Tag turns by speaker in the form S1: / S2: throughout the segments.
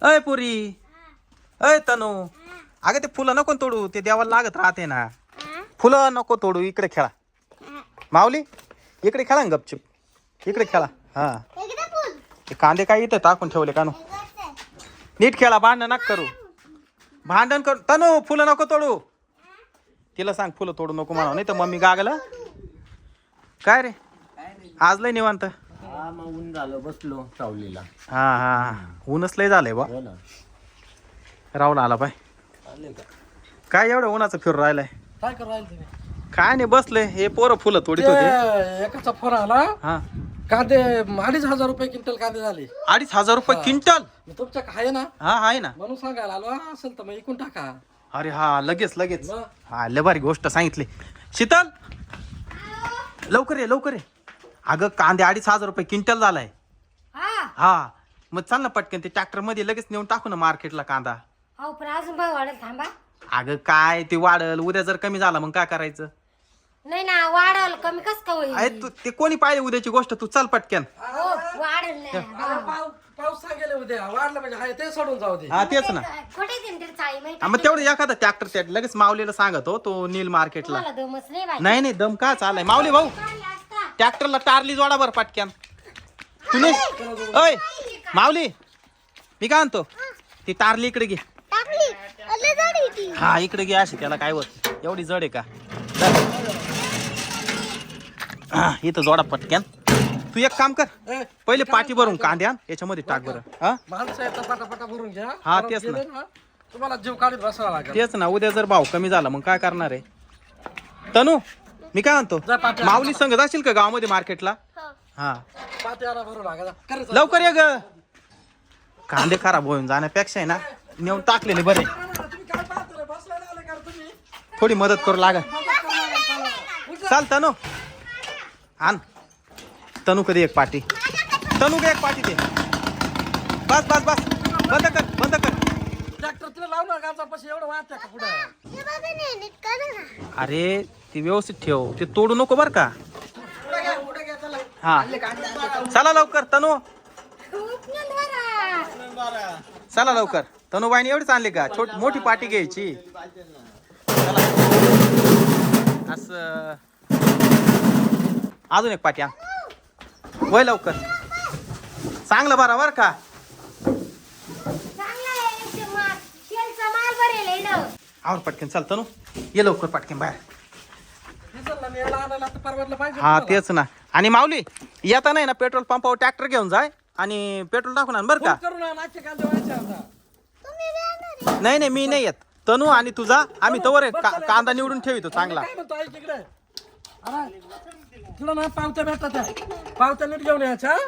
S1: अय पुरी, अय तनू, अगं ते फुलं नको तोडू, ते देवाला लागत राहते ना. फुलं नको तोडू, इकडे खेळा. माऊली इकडे खेळा ना गपचूप, इकडे खेळा. हा ते कांदे काय इथे टाकून ठेवले कानू. नीट खेळा, भांडण नका करू. भांडण करू तनू, फुलं नको तोडू. तिला सांग फुलं तोडू नको म्हणा, नाही तर मम्मी गागला. काय रे आज लय निवांत.
S2: ऊन झालं, बसलो सावलीला.
S1: हा ऊनच लय झालंय बा. राहुल आला पाय. काय एवढं उन्हाचं फिरून राहिलाय?
S2: काय करू राहिले तुम्ही?
S1: काय नाही बसले. हे पोरं फुलं तोडीत होते.
S2: एकाचा फोन आला,
S1: हा
S2: कांदे 2,500 रुपये क्विंटल कांदे झाले.
S1: 2,500 रुपये क्विंटल?
S2: तुमच्या आहे ना?
S1: हा आहे ना.
S2: म्हणून सांगायला आलो, असेल तर मग इकून टाका.
S1: अरे हा लगेच
S2: मग?
S1: हा लय भारी गोष्ट सांगितली. शीतल लवकर ये लवकर ये. अगं कांदे 2,500 रुपये क्विंटल झालाय. हा मग चाल ना पटकन, ते ट्रॅक्टर मध्ये लगेच नेऊन टाकू ना मार्केटला कांदा.
S3: अहो पण अजून भाव वाढेल, थांबा.
S1: अगं काय ते वाढल, उद्या जर कमी झाला मग काय करायचं?
S3: नाही ना, वाढल कमी कस का होईल?
S1: अरे तू ते कोणी पाहिजे उद्याची गोष्ट, तू चल पटकन.
S3: हो वाढेल ना.
S2: पाऊस सांगेल उद्या, वाढलं म्हणजे आहे ते सोडून जाऊ दे.
S1: हा तेच ना.
S3: कुठे देईन तरी चाळी माहिती?
S1: हा, मग तेवढं एखादा ट्रॅक्टर त्या लगेच माऊलीला सांगतो, तो नील मार्केटला.
S3: मला दमच नाही बाई.
S1: नाही दम का चालाय माऊली भाऊ, ट्रॅक्टरला टारली जोडा बर पटक्यान. तुने अय माऊली, मी काय म्हणतो, ती टारली इकडे घे. हा इकडे घे, अशी त्याला काय होत, एवढी जड आहे का? इथं जोडा पटक्यान. तू एक काम कर, पहिले पाठी भरून कांदे आण, याच्यामध्ये टाक बरं. हा
S2: माणसं येतात, पटापटा भरून घ्या.
S1: हा,
S2: परत
S1: तेच ना.
S2: गेले तुम्हाला जीव काढीत बसावं लागेल.
S1: तेच ना, उद्या जर भाव कमी झाला मग काय करणार आहे? तनू मी काय म्हणतो,
S2: जा पाठी आण.
S1: माऊली संग जाशील का गावामध्ये मार्केटला? हा
S2: पाट्याला भरू लागा.
S1: लवकर ये ग. कांदे खराब होऊन जाण्यापेक्षा आहे ना, नेऊन टाकलेले बरे.
S2: तुम्ही काय पाहता रे? बसलेले आले का रे तुम्ही?
S1: थोडी मदत करू लागा. चाल तनू आण. तनू कधी एक पाटी, तनू का एक पाटी दे. बस बंद कर.
S2: ट्रॅक्टर तिला लावणार गावचा पैसे एवढं वाहत्या का पुढे?
S1: अरे ती व्यवस्थित ठेव, ते तोडू नको बर का.
S2: पुढे घ्या चला.
S1: हा चला लवकर तनू, चला लवकर. तनूबाईने एवढीच आणली का? मोठी पाटी घ्यायची. असं अजून एक पाटी आण. वय लवकर, चांगलं बर का. आवर पटकन, चल तनू ये लवकर पटकन बाहेर.
S2: डिझेलला न्यायला आणायला तर परवडलं पाहिजे.
S1: हा तेच ना. आणि माऊली येता नाही ना, पेट्रोल पंपावर ट्रॅक्टर घेऊन जाय आणि पेट्रोल टाकून आण बर का.
S2: करू ना, नाचे कांदे व्हायचे आता.
S1: नाही मी नाही येत. तनू आणि तुझा आम्ही तवर कांदा निवडून ठेवितो चांगला.
S2: काय म्हणतो ऐक इकडे. अरे तुला ना पावत्या भेटतात त्या. पावत्या नीट घेऊन यायच्या.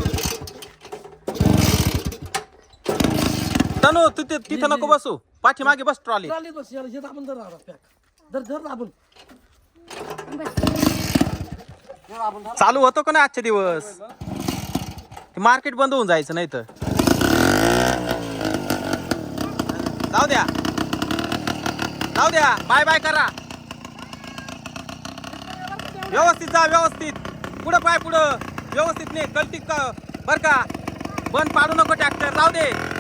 S1: तनू तू तिथं नको बसू, पाठीमागे बस ट्रॉली.
S2: चालेल बस, याला हे दाबून धर पॅक. धर दाबून.
S1: चालू होतो का ना आजचे दिवस, मार्केट बंद होऊन जायचं नाही तर. जाऊ द्या बाय करा. व्यवस्थित जा, व्यवस्थित पुढं व्यवस्थित नाही कलटी बर का. बंद पाडू नको ट्रॅक्टर, जाऊ दे.